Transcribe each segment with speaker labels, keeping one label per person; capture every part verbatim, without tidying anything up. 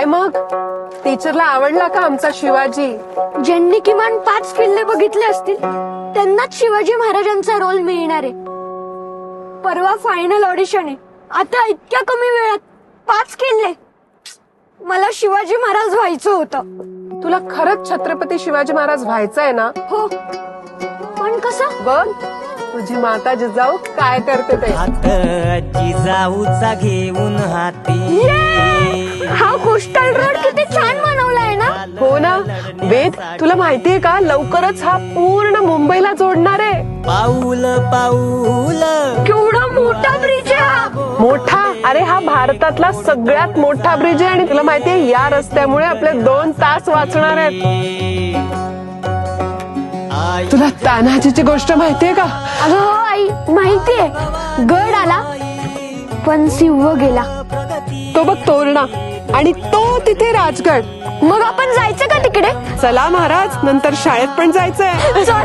Speaker 1: काय मग टीचरला आवडला का आमचा शिवाजी?
Speaker 2: ज्यांनी किमान पाच किल्ले बघितले असतील त्यांनाच शिवाजी महाराजांचा रोल मिळणार आहे. परवा फायनल ऑडिशन आहे. आता इतक्या कमी वेळात पाच किल्ले. मला शिवाजी महाराज व्हायचं होतं.
Speaker 1: तुला खरंच छत्रपती शिवाजी महाराज व्हायचंय ना?
Speaker 2: हो, पण कसं?
Speaker 1: बघ तुझी माता जिजाऊ काय करते ते.
Speaker 3: हात जिजाऊचा घेऊन हाती.
Speaker 2: हा कोस्टल रोड किती छान बनवलाय ना.
Speaker 1: हो ना वेद, तुला माहितीये का लवकरच हा पूर्ण मुंबईला जोडणार आहे.
Speaker 3: पाऊल पाऊल
Speaker 2: केवढा मोठा ब्रिज आहे हा.
Speaker 1: मोठा? अरे हा भारतातला सगळ्यात मोठा ब्रिज आहे. आणि तुला माहितीये या रस्त्यामुळे आपले दोन तास वाचणार आहेत. तुला तान्हाजीची गोष्ट माहितीये का?
Speaker 2: अगं हो आई, माहितीये. गड आला पण सिंह गेला.
Speaker 1: तो बघ तोरणा, आणि तो तिथे राजगड.
Speaker 2: मग आपण जायचं का तिकडे?
Speaker 1: चला महाराज, नंतर शाळेत पण जायचंय.
Speaker 2: चल.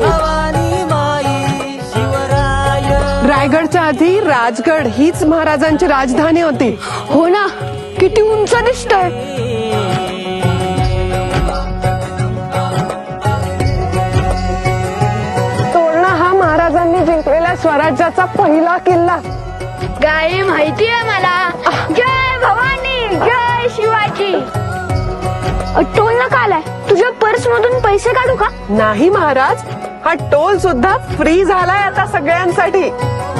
Speaker 1: रायगडच्या आधी राजगड हीच महाराजांची राजधानी होती.
Speaker 2: हो ना, किती उंच दिसतंय.
Speaker 1: तोरणा हा महाराजांनी जिंकलेल्या स्वराज्याचा पहिला किल्ला.
Speaker 2: काय माहितीये मला. जय भवानी, जय शिवाजी. टोल नका आलाय. तुझ्या पर्स मधून पैसे काढू का?
Speaker 1: नाही महाराज, हा टोल सुद्धा फ्री झालाय आता सगळ्यांसाठी.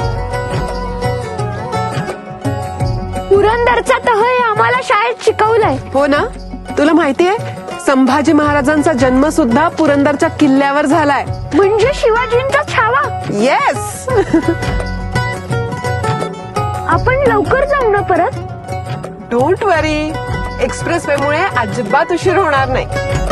Speaker 2: पुरंदरचा तह हे आम्हाला शाळेत शिकवलंय.
Speaker 1: हो ना. तुला माहितीये संभाजी महाराजांचा जन्म सुद्धा पुरंदरच्या किल्ल्यावर झालाय.
Speaker 2: म्हणजे शिवाजींचा छावा.
Speaker 1: येस.
Speaker 2: आपण लवकर जाऊ ना परत.
Speaker 1: डोंट वरी, एक्सप्रेस वे मुळे अजिबात उशीर होणार नाही.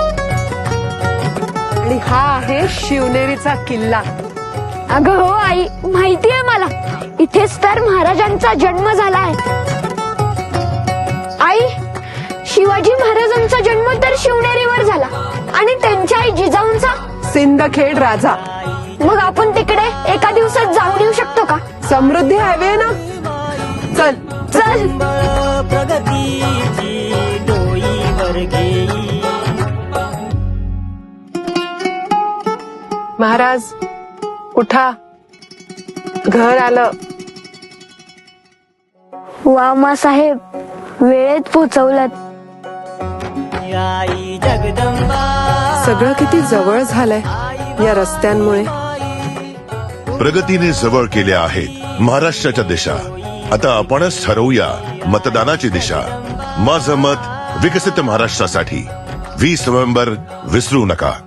Speaker 1: आणि हा आहे शिवनेरीचा किल्ला.
Speaker 2: अगं हो आई, माहितीये मला. इथेच तर महाराजांचा जन्म झालाय. आई, शिवाजी महाराजांचा जन्म तर शिवनेरीवर झाला आणि त्यांच्या आई जिजाऊंचा
Speaker 1: सिंदखेड राजा.
Speaker 2: मग आपण तिकडे एका दिवसात जाऊन येऊ शकतो का?
Speaker 1: समृद्धी हायवे ना. चल
Speaker 2: चल.
Speaker 3: प्रगतीची डोईवर घेई.
Speaker 1: महाराज उठा, घर आलं.
Speaker 2: वा मा साहेब, वेळेत पोचवलात.
Speaker 3: आई जगदंबा
Speaker 1: सगळं किती जवळ झालंय या रस्त्यांमुळे.
Speaker 4: प्रगतीने जवळ केल्या आहेत महाराष्ट्राच्या दिशा. आता आपणच ठरवूया मतदानाची दिशा. माझं मत विकसित महाराष्ट्रासाठी. वीस नोव्हेंबर विसरू नका.